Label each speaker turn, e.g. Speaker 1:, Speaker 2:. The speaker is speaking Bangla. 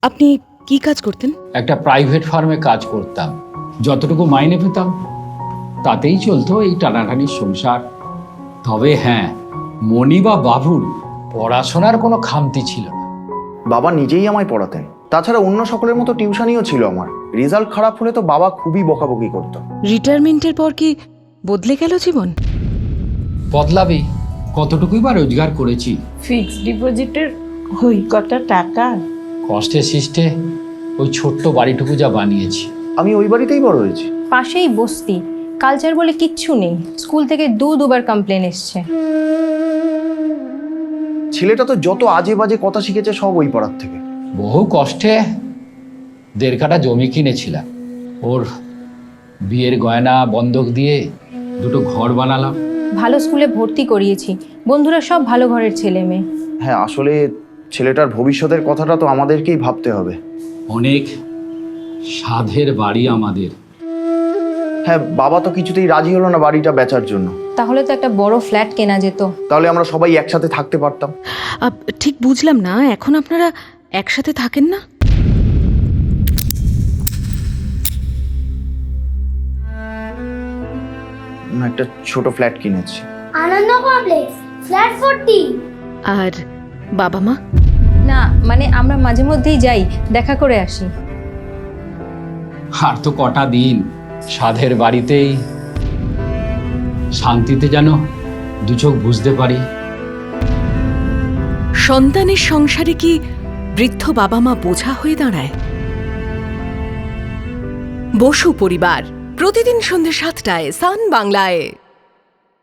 Speaker 1: আপনি কি কাজ করতেন?
Speaker 2: একটা প্রাইভেট ফার্মে কাজ করতাম। যতটুকু মাইনে পেতাম তাতেই চলতো এই টানাটানির সংসার। তবে হ্যাঁ, মণি বা বাবুর পড়াশোনার কোনো খামতি ছিল না।
Speaker 3: বাবা নিজেই আমায় পড়াতেন। তাছাড়া অন্য সকলের মতো টিউশনিও ছিল আমার। রেজাল্ট খারাপ হলে তো বাবা খুবই বকাবকি করতো।
Speaker 1: রিটায়ারমেন্টের পর কি বদলে গেল জীবন?
Speaker 2: বদলাবি, কতটুকুই বা রোজগার করেছি।
Speaker 4: ফিক্সড ডিপোজিটের ওই কটা টাকা
Speaker 2: কষ্টে সৃষ্টে ওই ছোট্ট বাড়িটুকু যা বানিয়েছি।
Speaker 3: আমি ওই বাড়িতেই বড় হয়েছি।
Speaker 5: পাশেই বস্তি, কালচার বলে কিচ্ছু নেই। স্কুল থেকে দুবার কমপ্লেন এসছে।
Speaker 3: ছেলেটা তো যত আজে বাজে কথা শিখেছে সব ওই পাড়ার থেকে।
Speaker 2: বহু কষ্টে 1.5 কাঠা জমি কিনেছিলাম। ওর বিয়ের গয়না বন্ধক দিয়ে 2টো ঘর বানালাম।
Speaker 5: ভালো স্কুলে ভর্তি করিয়েছি, বন্ধুরা সব ভালো ঘরের ছেলে মেয়ে।
Speaker 3: হ্যাঁ, আসলে ছেলেটার ভবিষ্যতের কথাটা তো আমাদেরকেই ভাবতে হবে।
Speaker 2: অনেক সাধের বাড়ি আমাদের।
Speaker 3: হ্যাঁ, বাবা তো কিছুতেই রাজি হলো না বাড়িটা বেচার জন্য।
Speaker 5: তাহলে তো একটা বড় ফ্ল্যাট কেনা যেত।
Speaker 3: তাহলে আমরা সবাই একসাথে থাকতে পারতাম।
Speaker 1: ঠিক বুঝলাম না, এখন আপনারা একসাথে থাকেন না?
Speaker 3: একটা ছোট ফ্ল্যাট কিনেছি।
Speaker 6: আনন্দ কমপ্লেক্স, ফ্ল্যাট 40।
Speaker 1: আর বাবা মা?
Speaker 5: না, মানে আমরা মাঝে মধ্যেই যাই, দেখা করে আসি।
Speaker 2: আর তো কটা দিন সাধের বাড়িতেই শান্তিতে যেন 2 চোখ বুঝতে পারি।
Speaker 1: সন্তানের সংসারে কি বৃদ্ধ বাবা মা বোঝা হয়ে দাঁড়ায়? বসু পরিবার, প্রতিদিন সন্ধ্যে 7টায় সান বাংলায়।